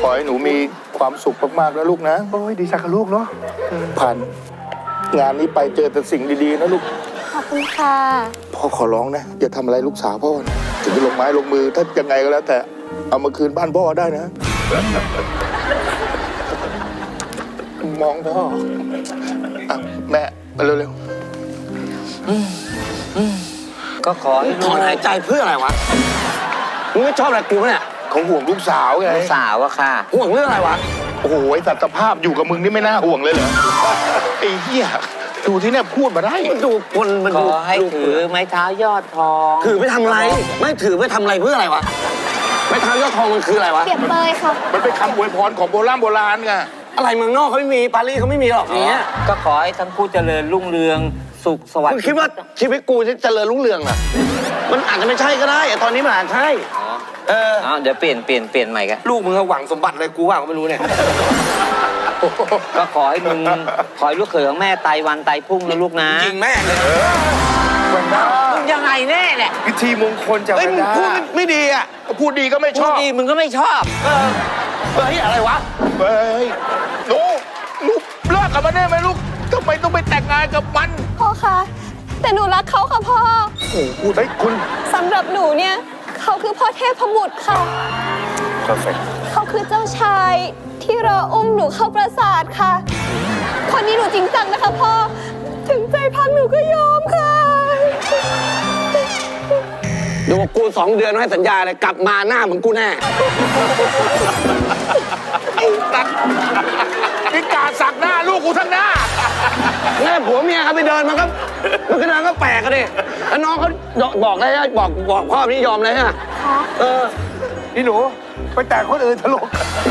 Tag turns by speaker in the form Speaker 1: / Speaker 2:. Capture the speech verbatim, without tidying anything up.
Speaker 1: อให้หนูมีความสุขมากๆนะลูกนะ
Speaker 2: โอ้ยดีใจกับลูกเนาะ
Speaker 1: ผ่านงานนี้ไปเจอแต่สิ่งดีๆนะลูก
Speaker 3: ขอบคุณค่ะ
Speaker 1: พ่อขอร้องนะอย่าทำอะไรลูกสาวพ่อนะถึงจะลงไม้ลงมือถ้ายังไงก็แล้ว แต่เอามาคืนบ้านพ่อได้นะ มองพ่ออ่ะแม่มาเร็ว
Speaker 4: ก็ขอให้
Speaker 5: ถอนหายใจเพื่ออะไรวะมึงไม่ชอบอะไรกูเนี่ย
Speaker 1: ๆเขาห่วงลูกสาวไง
Speaker 4: ลูกสาวอะค่ะ
Speaker 5: ห่วงเรื่องอะไรวะ
Speaker 1: โอ้โหไอ้สัตวภาพอยู่กับมึงนี่ไม่น่าห่วงเลยเหรอไอ้เหี้ยดูที่เนี่ยพูดมาได้
Speaker 5: มันดูคนมัน
Speaker 4: ข
Speaker 5: ดู
Speaker 4: อให้ถือไม้เท้ายอดทอง
Speaker 5: ถือไปทำอะไร ไม่ถือไปทำอะไรเพื่ออะไรวะไม้เท้ายอดทองมันคืออะไรวะ
Speaker 3: เปรียบเปยค่ะ
Speaker 1: มันเป็นคำอวยพรของโบราณโบราณไง
Speaker 5: อะไรเมืองนอกเขาไม่มีปารีสเขาไม่มีหรอกอย่างเงี้ย
Speaker 4: ก็ขอให้ทั้งคู่เจริญรุ่งเรืองสุขสวัส
Speaker 5: มึง
Speaker 4: ดิ์
Speaker 5: คิดว่าชีวิตกูจะเจริญรุ่งเรืองเหรอมันอาจจะไม่ใช่ก็ได้แต่ตอนนี้มันอาจใช่
Speaker 4: อ๋อ
Speaker 5: เออ
Speaker 4: อ้าวเดี๋ยวเปลี่ยนเปลี่ยนเปลี่ยนใหม่กัน
Speaker 5: ลูกมึงหวังสมบัติอะไรกูว่าก็ไม่รู้เนี่ย
Speaker 4: ก็ขอให้มึงขอให้ลูกเขยของแม่ตายวันตายพรุ่งนะลูกนะ
Speaker 5: จริงแม่เลย
Speaker 2: วันด้า
Speaker 4: มึงยังไงแน่แหละ
Speaker 2: พิธีมงคลจาก
Speaker 5: เอ้ย
Speaker 2: วัน
Speaker 5: มึง
Speaker 2: ด้า
Speaker 5: พูดไม่ดีอ่ะ
Speaker 1: พูดดีก็ไม่ช
Speaker 4: พูด
Speaker 1: อบ
Speaker 4: ดีมึงก็ไม่ชอบ
Speaker 5: เออเฮ้ยอะไรวะ
Speaker 1: เฮ้ยหนูหนูเลิกกับมันได้ไหมลูกทำไมต้องไปแต่งงานกับมัน
Speaker 3: พ่อคะ แต่หนูรักเขาค่ะพ่อ
Speaker 1: โอ้โหพูดให้คุณ
Speaker 3: สำหรับหนูเนี่ย เขาคือพ่อเทพบุตรค่ะ
Speaker 1: perfect
Speaker 3: เขาคือเจ้าชายที่รออุ้มหนูเข้าปราสาทค่ะ คนนี้หนูจริงจังนะคะพ่อ ถึงใจพังหนูก็ยอมค่ะ
Speaker 5: เดี๋ยวกูสองเดือนให้สัญญาเลยกลับมาหน้าเหมือนกูแน่
Speaker 1: ไอ้ตัดนี่กาสักหน้าลูกกูทั้งหน้า
Speaker 5: แม่ผัวเมียเขาไปเดินมันก็มันก็เดินก็แปลกกันดิแล้วน้องเขาบอกได้บอกบอกพ่อพี่ยอมเลยฮะ
Speaker 3: ค่ะ
Speaker 5: เออ
Speaker 2: นี่หนูไปแต่งคนอื่นทะลุ